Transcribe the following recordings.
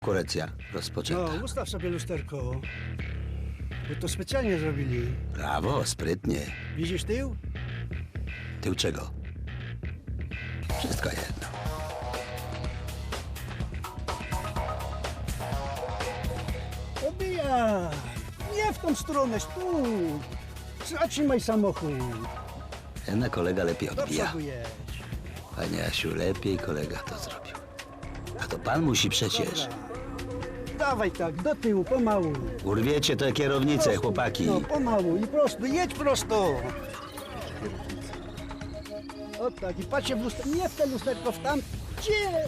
Konkurencja rozpoczęta. No, ustaw sobie lusterko. Bo to specjalnie zrobili. Brawo, sprytnie. Widzisz tył? Tył czego? Wszystko jedno. Obijaj! Nie w tą stronę, tu! Zatrzymaj samochód. Jednak kolega lepiej Do odbija. przodu jedź. Panie Asiu, lepiej kolega to zrobił. A to pan musi przecież. Dobra. Dawaj tak, do tyłu, pomału. Urwiecie tę kierownicę, chłopaki. No, pomału i prosto, jedź prosto. O tak, i patrzcie w lusterko, nie w te lusterko, w tam. Gdzie?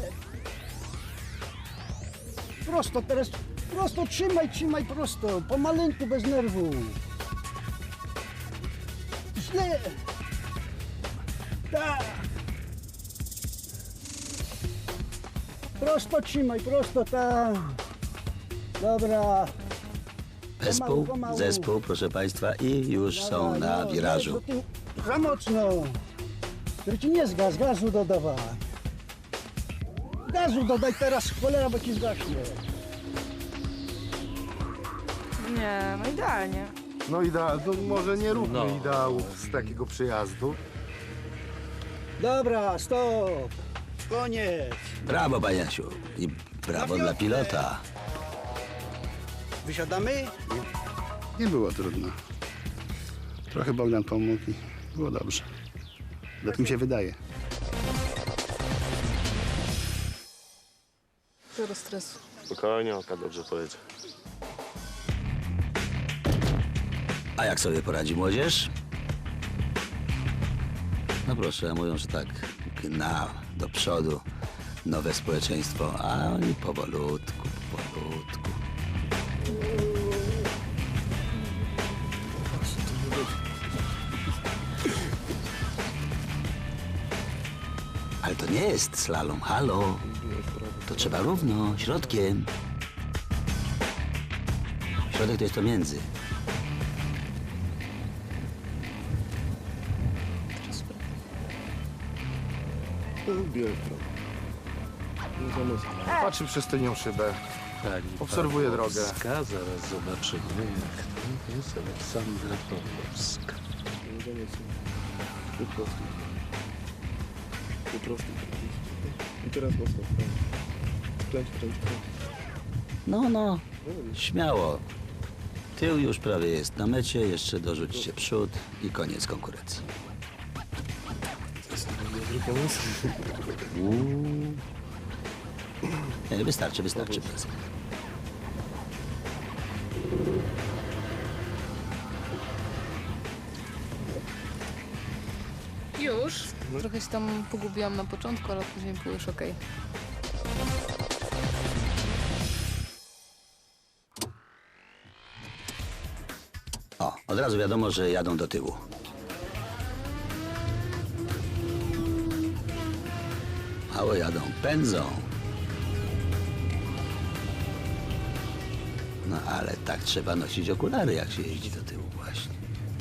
Prosto teraz, prosto, trzymaj prosto, pomaleńku, bez nerwu. Źle. Tak. Prosto trzymaj, prosto tam. Dobra. Zespół, pomału. zespół, proszę państwa, i już są Dawaj, na no, wirażu. do tyłu. Za mocno. Który ci nie zgas, gazu dodawaj. Gazu dodaj teraz, cholera, bo ci zgaśnie. Nie, no idealnie. No to może nie róbmy ideałów z takiego przyjazdu. Dobra, stop. Koniec. Brawo, panie Asiu. I brawo dla pilota. Wysiadamy? Nie było trudno. Trochę Bogdan pomógł i było dobrze. Tak mi się wydaje. Zero stresu. Spokojnie, oka dobrze pojedzie. A jak sobie poradzi młodzież? No proszę, mówią, że tak gna do przodu nowe społeczeństwo, a oni powolutku. Ale to nie jest slalom, halo. To trzeba równo, środkiem. Środek to jest to między. Patrzy przez tylnią szybę. Obserwuję drogę. Zaraz zobaczymy, jak to jest Aleksandra Pawłowska. I teraz mocno. Kręć. No, śmiało. Tył już prawie jest na mecie, jeszcze dorzućcie przód i koniec konkurencji. Nie, wystarczy. Bez. Już? Trochę się tam pogubiłam na początku, ale później było już okej. O, od razu wiadomo, że jadą do tyłu. Mało jadą, pędzą. No ale tak trzeba nosić okulary, jak się jeździ do tyłu właśnie.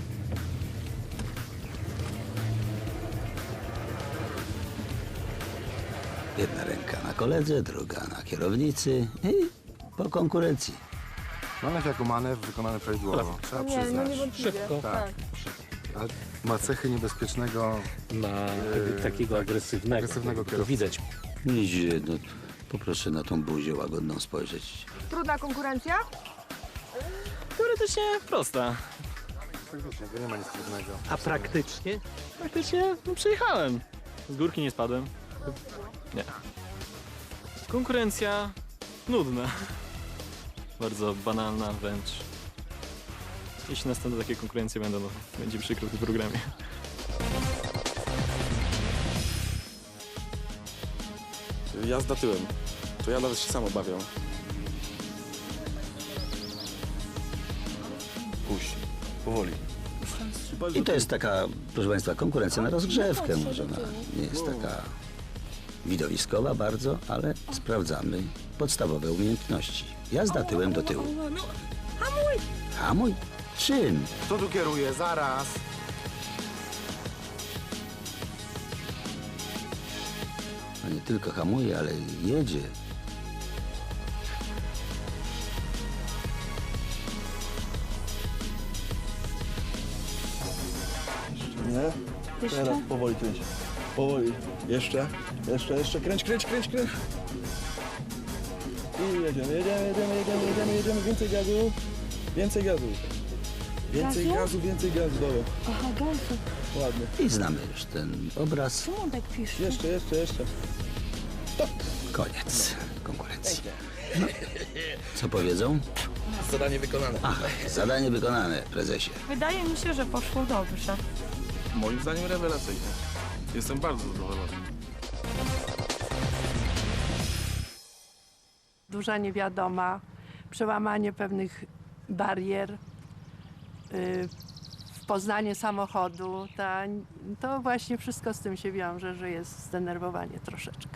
Jedna ręka na koledze, druga na kierownicy i po konkurencji. Manewr jako manewr wykonany prawidłowo. Trzeba Nie, no przyznać. niewątpliwie. Tak. Ale ma cechy niebezpiecznego. Ma takiego agresywnego agresywnego to kierowcę. widać. Idzie, no, poproszę na tą buzię łagodną spojrzeć. Trudna konkurencja? Teoretycznie prosta, Faktycznie, to nie ma nic trudnego. a praktycznie? Praktycznie przejechałem. Z górki nie spadłem. Nie. Konkurencja nudna. Bardzo banalna wręcz. Jeśli następne takie konkurencje będą, no, będzie przykro w tym programie. Jazda tyłem. To ja nawet się sam obawiam. Puść. Powoli. I to jest taka, proszę Państwa, konkurencja na rozgrzewkę. Może ona nie jest taka widowiskowa bardzo, ale sprawdzamy podstawowe umiejętności. Jazda tyłem do tyłu. Hamuj? Czym? Kto tu kieruje? Zaraz. No nie tylko hamuje, ale jedzie. Nie? Teraz powoli kręć. Powoli. Jeszcze. Kręć. I jedziemy. Więcej gazu. Więcej gazu. Dobra. Aha, gazu. Ładnie. I znamy już ten obraz. Czemu on tak pisze? Jeszcze. Koniec konkurencji. No, co powiedzą? Zadanie wykonane. Ach, zadanie wykonane, prezesie. Wydaje mi się, że poszło dobrze. Moim zdaniem rewelacyjnie. Jestem bardzo zadowolony. Duża niewiadoma, przełamanie pewnych barier, poznanie samochodu, to właśnie wszystko z tym się wiąże, że jest zdenerwowanie troszeczkę.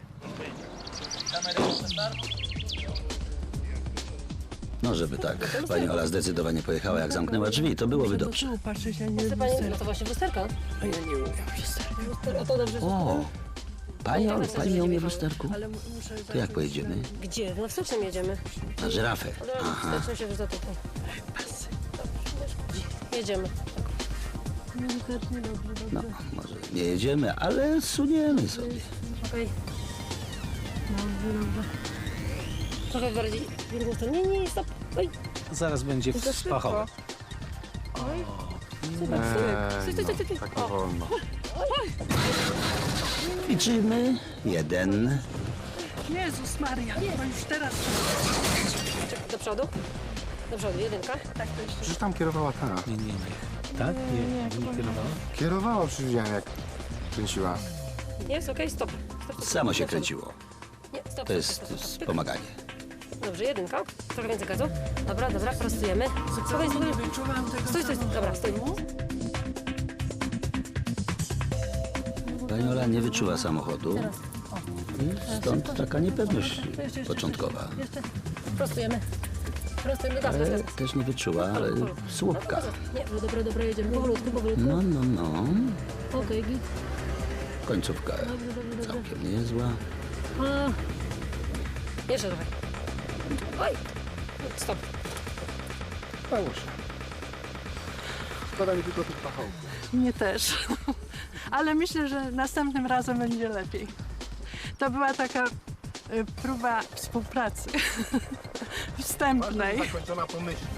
No, żeby tak pani Ola zdecydowanie pojechała, jak zamknęła drzwi, to byłoby dobrze. Patrzeć, a nie No to właśnie lusterka. A ja nie umiem lusterka. A to dobrze. O, pani Olu, pani nie umie w lusterku? Ale muszę To jak pojedziemy? Gdzie? No wstecznym jedziemy. Na żyrafę. Aha. Wstecznym się wrzuca tutaj. Jedziemy. No, może nie jedziemy, ale suniemy sobie. Okej. Trochę bardziej w drugą stronę. Nie, stop. Oj, Zaraz będzie to w Spachowie. super. Stój. Tak nie wolno. Liczymy. 1. Jezus Maria, to już teraz. Czekaj, do przodu. Do przodu, jedynka. Tak to jeszcze. Przecież tam kierowała ta. Nie. Tak? Nie kierowała? Kierowała, przecież widziałem jak kręciła. Jest, okej, stop. Stop. Samo się kręciło. Nie, stop. To jest wspomaganie. Dobrze, jedynka. Trochę więcej gazu. Dobra, prostujemy. Spokojnie. Stój. Dobra, stój. Pani Ola nie wyczuła samochodu. I stąd taka niepewność początkowa. Prostujemy. Gaz. Ale też nie wyczuła, ale słupka. Nie, no dobra, jedziemy. Powolutku. No. Okej, git. Końcówka całkiem niezła. Jeszcze trochę. Oj. Stop. Stało się. Szkoda mi tylko tych pachołków. Mnie też. Ale myślę, że następnym razem będzie lepiej. To była taka próba współpracy wstępnej. Zakończona pomyślnie.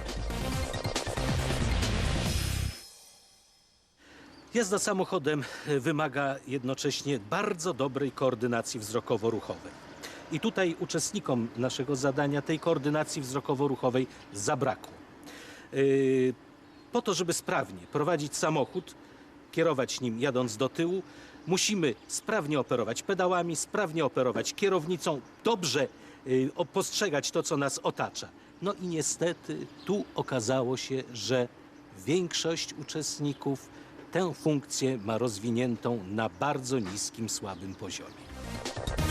Jazda samochodem wymaga jednocześnie bardzo dobrej koordynacji wzrokowo-ruchowej. I tutaj uczestnikom naszego zadania tej koordynacji wzrokowo-ruchowej zabrakło. Po to, żeby sprawnie prowadzić samochód, kierować nim jadąc do tyłu, musimy sprawnie operować pedałami, sprawnie operować kierownicą, dobrze postrzegać to, co nas otacza. No i niestety tu okazało się, że większość uczestników tę funkcję ma rozwiniętą na bardzo niskim, słabym poziomie.